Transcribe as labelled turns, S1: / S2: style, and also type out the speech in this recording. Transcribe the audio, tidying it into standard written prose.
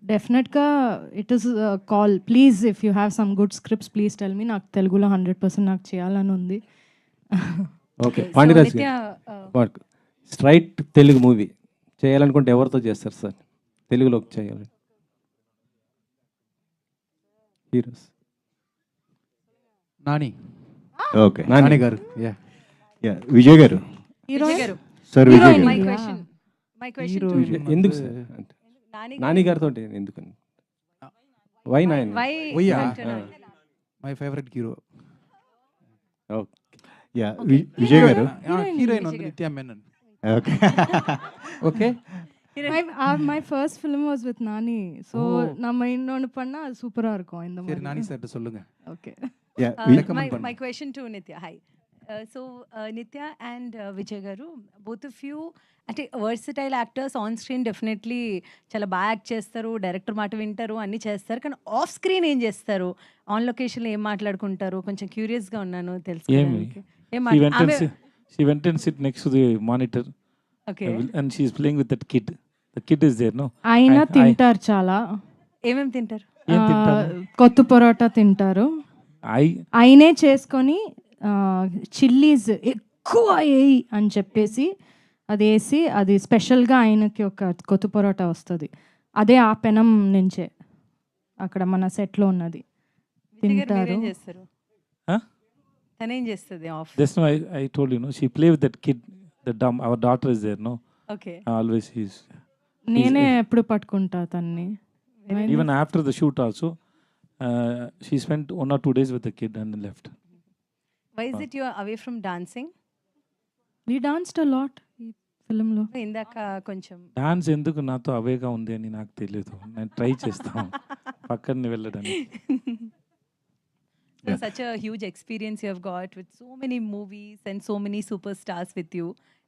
S1: డెఫినెట్‌గా it is call. Please if you have some good scripts please tell me. నాకు తెలుగులో 100% నాకు చేయాలని ఉంది.
S2: ఓకే, పాండిరాజ్
S3: నిత్య
S2: గారు స్ట్రైట్ తెలుగు మూవీ చేయాలనుకుంటే ఎవరితో చేస్తారు సార్? తెలుగులో చేయాలి హీరోస్.
S4: నాని
S5: ఓకే,
S4: నాని గారు
S5: yeah Vijay garu,
S3: Vijay garu
S5: sir Vijay
S1: Heroine.
S5: Garu.
S3: My
S1: Yeah.
S3: Question
S4: hero
S2: ఎందుకు సార్? నాని గారితో ఎందుకు? వై నాని?
S3: వై
S4: Why-ఆ?
S2: Ah.
S4: My favourite hero
S2: okay,
S5: yeah Vijay garu.
S4: Heroine ఉంది Nithya Menen.
S5: Okay
S4: okay
S1: My first film was with Nani. So நம்ம இன்னொன்னு பண்ணா அது சூப்பரா இருக்கும் இந்த
S4: சரி
S1: மாதிரி.
S4: நானி சார் சொல்லுங்க.
S1: Okay.
S5: Yeah
S3: my question to Nithya hi. So Nithya and Vijay garu, both of you అంటే versatile actors. On screen definitely చాలా బాగా యాక్ట్ చేస్తారు, డైరెక్టర్ మాట వింటారు, అన్నీ చేస్తారు. కానీ ఆఫ్ స్క్రీన్ ఏం చేస్తారు? ఆన్ లొకేషన్లో ఏం మాట్లాడుకుంటారు? కొంచెం క్యూరియస్గా ఉన్నాను తెలుసుకోవడానికి.
S6: She went and sit next to the monitor.
S3: Okay,
S6: And she's playing with that kid. The kid is there, no?
S1: ఆయన తింటారు చాలా.
S3: ఏమేమి తింటారు?
S6: ఏం తింటారు?
S1: కొత్త పరోటా తింటారు. ఆయనే చేసుకొని చిల్లీస్ ఎక్కువ వేయి అని చెప్పేసి అది వేసి అది స్పెషల్గా ఆయనకి ఒక కొత్త పరోటా వస్తుంది. అదే ఆ పెనం నుంచే అక్కడ మన సెట్లో ఉన్నది
S3: విజయ్ గారు
S1: తింటారు.
S3: మీరేం చేస్తారు?
S6: Huh?
S3: తనేం చేస్తుంది ఆఫ్?
S6: Just now I told you, no? She play with that kid. Our daughter is there, no?
S3: Okay,
S6: Always she's.
S1: నేనే ఎప్పుడు పట్టుకుంటా తన్ని.
S6: Even after the shoot also, she spent 1 or 2 days with the kid and then left.
S3: Why is it you are away from dancing?
S1: We danced a lot ఈ ఫిల్మ్లో.
S3: ఇందాక కొంచెం
S6: dance ఎందుకు నాతో అవేగా ఉంది అని నాకు తెలియదు. నేను ట్రై చేస్తాను పక్కన వెళ్ళడానికి.
S3: So such a huge experience you have got with so many movies and so many superstars with you.